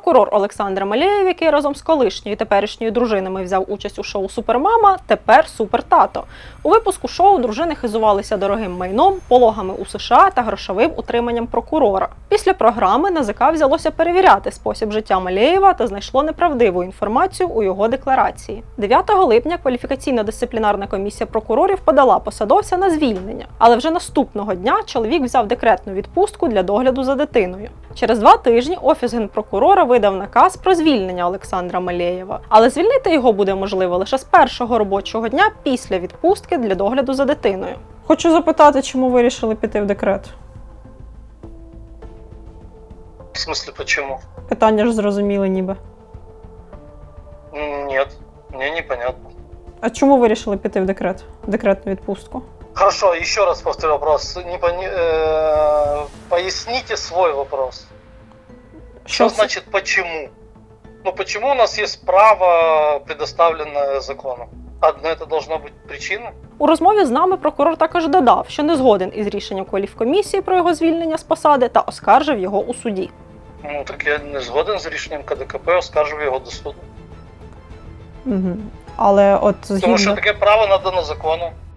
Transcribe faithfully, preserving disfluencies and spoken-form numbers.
Прокурор Олександр Малєєв, який разом з колишньою і теперішньою дружинами взяв участь у шоу «Супермама», тепер супертато. У випуску шоу дружини хизувалися дорогим майном, пологами у США та грошовим утриманням прокурора. Після програми НАЗК взялося перевіряти спосіб життя Малєєва та знайшло неправдиву інформацію у його декларації. дев'ятого липня кваліфікаційно-дисциплінарна комісія прокурорів подала посадовця на звільнення, але вже наступного дня чоловік взяв декретну відпустку для догляду за дитиною. Через два тижні Офіс Генпрокурора видав наказ про звільнення Олександра Малєєва, але звільнити його буде можливо лише з першого робочого дня після відпустки для догляду за дитиною. Хочу запитати, чому ви вирішили піти в декрет? В смысле, почему? Питання ж зрозуміли ніби. Нет, мне непонятно. А чому ви вирішили піти в декрет? В декретну відпустку? Хорошо, еще раз повторю вопрос. Не пони... э, Поясните свой вопрос. Что це? значит почему? Ну почему у нас есть право, предоставленное законом? Одно это должна быть причина? У розмові з нами прокурор також додав, що не згоден із рішенням кваліфкомісії про його звільнення з посади та оскаржив його у суді. Ну так я не згоден з рішенням КДКП, оскаржив його до суду. Угу. Але от згідно... Тому що таке право надано законом.